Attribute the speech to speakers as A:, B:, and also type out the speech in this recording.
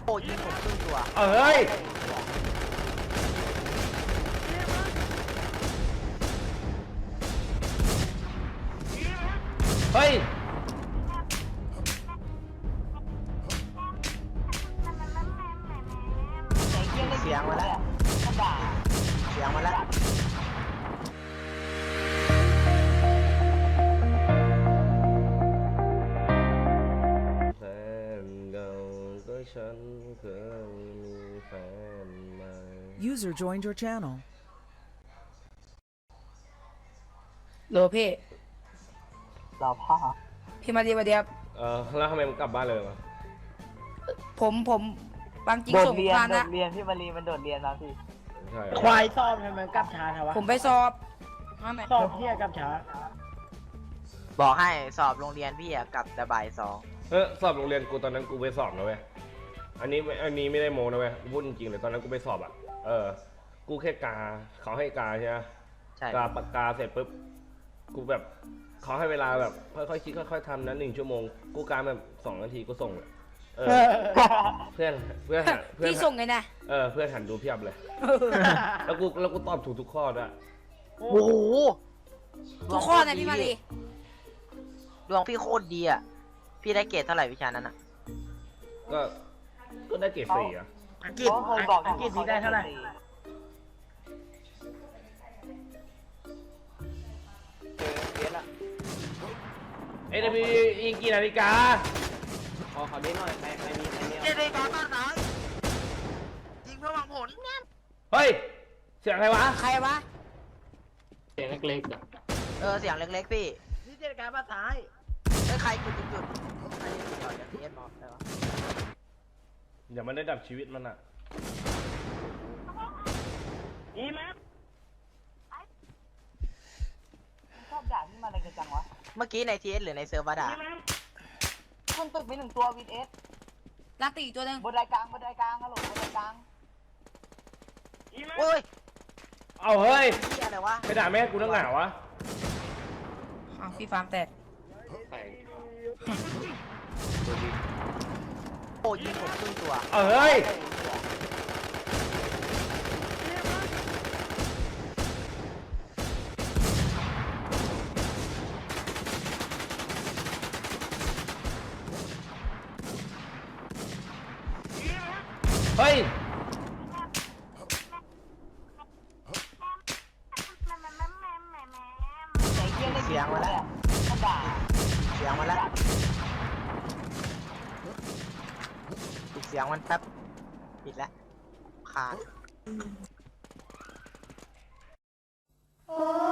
A: โอ้ยิงผมครึ่งตัว
B: เอ้ยเฮ้ย
A: เสียงมาแล้วเสียงมาแล้ว
B: แฟนเก่าก็ฉันเคยมีแฟนใหม่
C: User joined your channel.
D: โหลพี่
A: เราพ่อ
D: พี่มาดีมาเดียบ
B: แล้วทำไมมึงกลับบ้านเลยมา
D: ผมบางจริง
A: โดด
D: ส่ง
A: เรียน
D: ผ่าน
A: โด
D: นะ
A: ดเรียนพี่มารีมันโดดเรียนแล้วพี่
B: ใช่
E: ควายสอบทำไมกลับช้าทวะ
D: ผมไปสอบมาไหน
E: สอบเที่ยกลับช้า
A: บอกให้สอบโรงเรียนพี่อะกลับแต่บ่าย2
B: สอบโรงเรียนกูตอนนั้นกูไปสอบนะเว้ยอันนี้ไม่ได้โมนะเว้ยกูพูดจริงๆเลยตอนนั้นกูไปสอบอ่ะกูแค่กาเขาให้กาใช่ไหม
A: ใช่
B: กาปากกาเสร็จปุ๊บกูแบบเขาให้เวลาแบบค่อยๆคิดค่อยๆทำนะ1 ชั่วโมงกูกาแบบ2 นาทีกูส่งเลยเพื่อน
D: พี่ส่งไงนะ
B: เพื่อนหันดูเพียบเลย แล้วกูตอบถูกทุกข้อด้วย
A: โอ้โห
D: ทุกข้อนะพี่มาดี
A: ดวงพี่โคตรดีอ่ะพี่ได้เกรดเท่าไหร่วิชานั้นอ่ะ
B: ก็ได้เกรด4อ่ะ
E: อังกฤษอังกฤษนี่ได้เท่าไหร่
B: เดี๋ยวมีอีกกี่นาฬิกา
E: ขอเขาได้หน่อยใครมีใครเนี่ย
A: เจดีย์การบ้านไหนยิงเพื่อหวังผล
B: เฮ้ยเสียงใครวะ
D: ใครวะ
E: เสียงเล็กๆอ่ะ
A: เสียงเล็กๆพี่
E: นี่เจตการภาษาไทย
A: ใครจุดใครจุดก่อนจะเทียบบอกได้ปะ
B: เดี๋ยวมันได้ดับชีวิตมันอ่ะ
E: อีแม็ก
A: ชอบด่าที่มาอะไรกันจังวะเมื่อกี้ในทีเอสหรือในเซิร์ฟวะด่าคุณตึกมี1 ตัววินเอส
D: ลักตีอีกตัวหนึง
A: บนไดกลางฮัลโหลบนไดกลางโอ้ย
B: เอาเฮ้ย
A: เฮียอะไรวะ
B: ไปด่าแม่กูตั้งหนาวะ
D: อ้าวพี่ฟาร์มแตก
A: โอ้ยิงผมครึ่งตัว
B: เฮ้ยเฮ้ย
A: เสียงมาแล้วเสียงมาแล้วปิดเสียงมันแป๊บปิดแล้วขาด